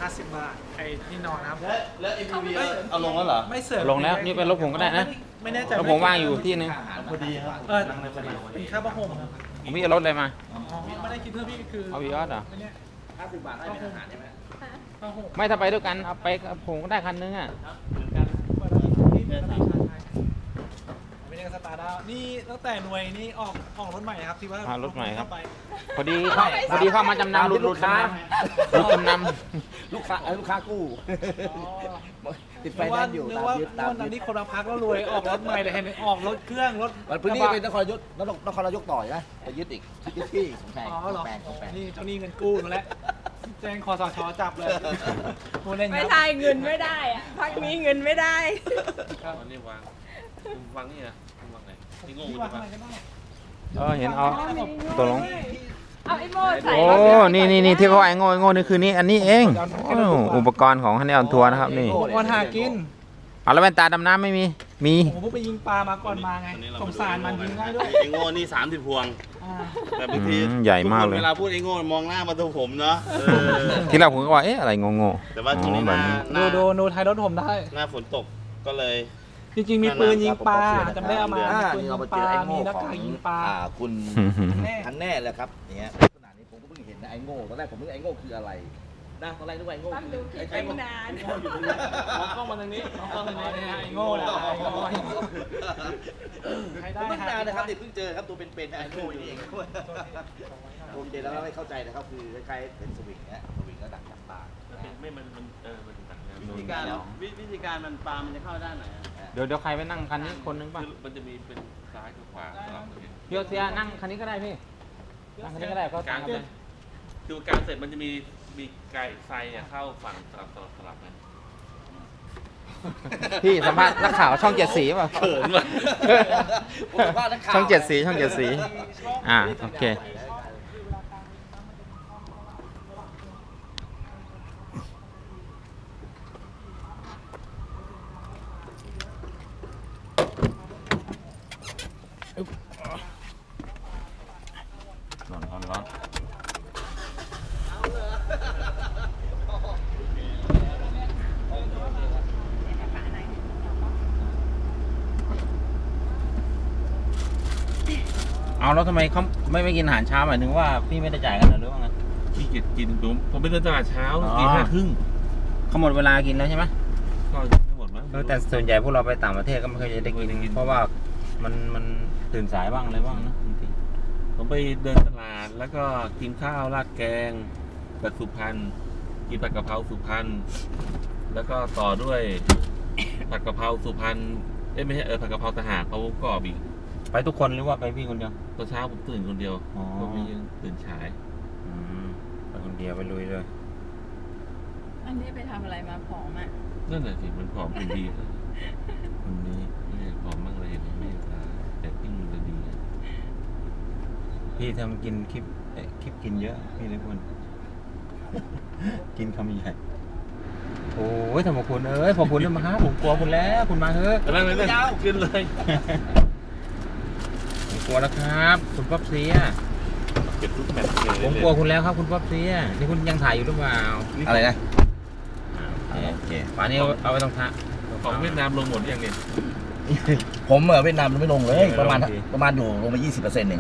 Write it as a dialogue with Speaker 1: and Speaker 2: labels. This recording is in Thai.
Speaker 1: 50 บาทไอ้ที่นอนนะครับ
Speaker 2: แล้ว MPV เอาลงแล้วเหรอ
Speaker 1: ไม่เสริม
Speaker 3: ลงแล้วนี่เป็นรถผมก็ได้นะ
Speaker 1: ไม่แน่ใจ
Speaker 3: รถผมว่างอยู่ที่นึง
Speaker 2: พอดีครับ
Speaker 1: เป็นค่าผ้าห่มครับ
Speaker 3: ผมมีรถอะไรมา
Speaker 1: อ๋อไม่ได้คิดเพิ่มพี่คือ
Speaker 3: เอาวีออสเหรอ
Speaker 1: ไม่เนี่ย
Speaker 2: 50 บาทได้เป็นอาหารใช่ไหม
Speaker 1: ผ้าห่ม
Speaker 3: ไม่ถ้าไปด้วยกันเอาไปกับผมก็ได้คันนึงอ่ะ
Speaker 2: เหมือนกัน
Speaker 1: ที่เป็นชาไทยไม่ได้สตาร์ดาวนี่ตั้งแต่หน่วยนี่ออกรถใหม่ครับที่ว่า
Speaker 3: อ่ารถใหม่ครับ
Speaker 1: ไป
Speaker 3: พอดีเข้ามาจำนำหลุดจำนำหลุดจำน
Speaker 2: ลูกค้ากู้ติดไฟแนนซ์อยู่
Speaker 1: นึก
Speaker 2: ตาม
Speaker 1: ว่า
Speaker 2: ยึดตาม
Speaker 1: นั้น
Speaker 2: ยึ
Speaker 1: นี่
Speaker 2: ด
Speaker 1: คนละพักแล้วรวยออกรถใหม่เลยเห็นออกรถเครื่องรถ
Speaker 2: มันพื้นที่เป็นนครนายกต่อยนะไปยึดอีกยึดที่ของแพง
Speaker 1: อ๋อเหรอ
Speaker 2: ของแพง
Speaker 1: นี่เจ้าหนี้เงินกู้มาแล้วแจ้งคอสชจับเลยพูดเล่นค
Speaker 4: ไม่
Speaker 1: รับ
Speaker 4: ใช่เงินไม่ได้อะพักนี้เงินไม่ได้
Speaker 5: อันนี้วางนี่นะวางไหนนี่โง่
Speaker 1: พี่
Speaker 5: ใช่
Speaker 1: วาง
Speaker 5: ปะ
Speaker 1: อะไรก็ได้
Speaker 3: ำเห็นเอาตัวลง
Speaker 4: เอาไอ้โม่ใส่
Speaker 3: โอ้ นี่ที่เขาไอ้โง่นี่คือนี่อันนี้เองโอ้อุปกรณ์ของฮันนี่ออนทัวร์นะครับนี่
Speaker 1: อุปกรณ์หากิน
Speaker 3: เอาแล้วแว่นตาดำน้ำไม่มี มี
Speaker 1: ผมเพิ่งไปยิงปลามาก่อนมาไงสงสารมันยิงง่ายด้วย
Speaker 5: ไอ้โง่นี่30 พวง
Speaker 1: อ่า
Speaker 5: แต่บางที
Speaker 3: ใหญ่มากเลย
Speaker 5: เวลาพูดไอ้โง่มองหน้ามาตัวผมเนาะ
Speaker 3: ที่เราผมก็ว่าเอ๊ะอะไรงง
Speaker 5: แต่ว่าช่วงนี้
Speaker 3: แบบนี้
Speaker 1: ดูท้ายรถผมได้
Speaker 5: หน้าฝนตกก็เลย
Speaker 1: จริงๆมีปืนยิงปลาจำได้เอามา
Speaker 2: นี่
Speaker 1: มี
Speaker 2: เรา
Speaker 1: ปื
Speaker 2: ไป
Speaker 1: น
Speaker 2: เจ
Speaker 1: ยิ
Speaker 2: อง ไอ้
Speaker 1: ปลา
Speaker 2: โง่
Speaker 1: มีหน้า
Speaker 2: ของ
Speaker 1: กากยิงปลา
Speaker 2: คุณ
Speaker 1: แน่
Speaker 2: ทันแน่เลยครับเนี่ยขนาดนี้ผมก็เพิ่งเห็นนะไอ้โง่ตอนแรกผมนึกไอ้โง่คืออะไรนะตอนแรกนึกว่าไอ้โง่
Speaker 4: ต้องดูคลิป
Speaker 2: ไอ้
Speaker 4: ไป
Speaker 2: โง่
Speaker 4: นาน
Speaker 5: มองกล้องมาทางนี้มองกล้องทางนี้
Speaker 1: ไอ้โง่แหละไอ้โง่ใครได้
Speaker 2: เพิ่งนานนะครับเด็กเพิ่งเจอครับตัวเป็นๆไอ้โง่นี่เองผมเจอแล้วไม่เข้าใจนะครับคือคล้ายๆเป็นสวิงนะสวิงก็ดักจับปลา
Speaker 5: ไม่มันมันต่างกัน
Speaker 2: วิธีการ
Speaker 5: วิธีการมันปลามันจะเข้าด้านไหน
Speaker 3: เดี๋ยวใครไปนั่งคันนี้คนนึงป่ะ
Speaker 5: มันจะมีเป็นซ้ายกับขวาสลับกัน
Speaker 3: พี่โอเซียนั่งคันนี้ก็ได้พี่ นั่งคันนี้ก็ได้ก็ต่างกันเลย
Speaker 5: คือการเสร็จมันจะมีไก่ไฟเข้าฝั่งสลับกัน
Speaker 3: พี่สัมภาษณ์นักข่าวช่องเจ็ดสีป่ะ
Speaker 5: เขินว่ะ
Speaker 2: ผมสัมภาษณ์นักข่าว
Speaker 3: ช่องเจ็ดสีช่องเจ็ดสีโอเคร้อนเอาแล้วทำไมเขาไม่กินอาหารเช้าหมายถึงว่าพี่ไม่ได้จ่ายกันหรือว่าไง
Speaker 5: พี่เกียจกินผมไปเดินตลาดเช้า
Speaker 3: อ๋อ
Speaker 5: ตี 5:30
Speaker 3: เขาหมดเวลากินแล้วใช่ไหม
Speaker 5: ก็ไม่หมดมั้ง
Speaker 3: แต่ส่วนใหญ่พวกเราไปต่างประเทศก็ไม่เคยจะได้กินเพราะว่ามันตื่นสายบ้างอะไรบ้างนะจริง
Speaker 5: ผมไปเดินตลาดแล้วก็กินข้าวราดแกงแบบสุพรรณกินผัดกะเพราสุพรรณแล้วก็ต่อด้วยผัดกะเพราสุพรรณไม่ใช่ผัดกะเพราทหารเขากรอบอีก
Speaker 3: ๆไปทุกคนหรือว่าไปพี่คนเดียว
Speaker 5: ตอนเช้าผมตื่นคนเดียว
Speaker 3: อ๋อ
Speaker 5: ผมยังตื่นฉาย
Speaker 3: ไปคนเดียวไปลุยเลย
Speaker 4: อันนี้ไปทำอะไรมาผอมอ่ะ
Speaker 5: นั่นแหละสิมันผอมเป็นดีนะ
Speaker 3: คนนี้
Speaker 5: ไม่ผอมบ้างเลยเห็นไหมแต่ปิ้งมันจะดี
Speaker 3: พี่ทำกินคลิปกินเยอะพี่เลยคนกินคำใหญ่โอ้ยทำขอบคุณขอบคุณด้วยมาครับผมกลัวคุณแล้วคุณมาเถอะ
Speaker 5: นั่งเลยขึ้นเลย
Speaker 3: ผมกลัวแล้วครับ คุณป๊อปเสีย
Speaker 5: เก็บทุกแมตช์เลย
Speaker 3: ผมกลัวคุณแล้วครับคุณป๊อปเสียนี่คุณยังถ่ายอยู่หรือเปล่า
Speaker 2: อะไรนะ
Speaker 3: โอเคป่านนี้เอาไปตรงท่า
Speaker 5: ของเวียดนามลงหมดยังเนี่ย
Speaker 2: ผมเวียดนามไม่ลงเลยประมาณอยู่ลงไป 20% เอง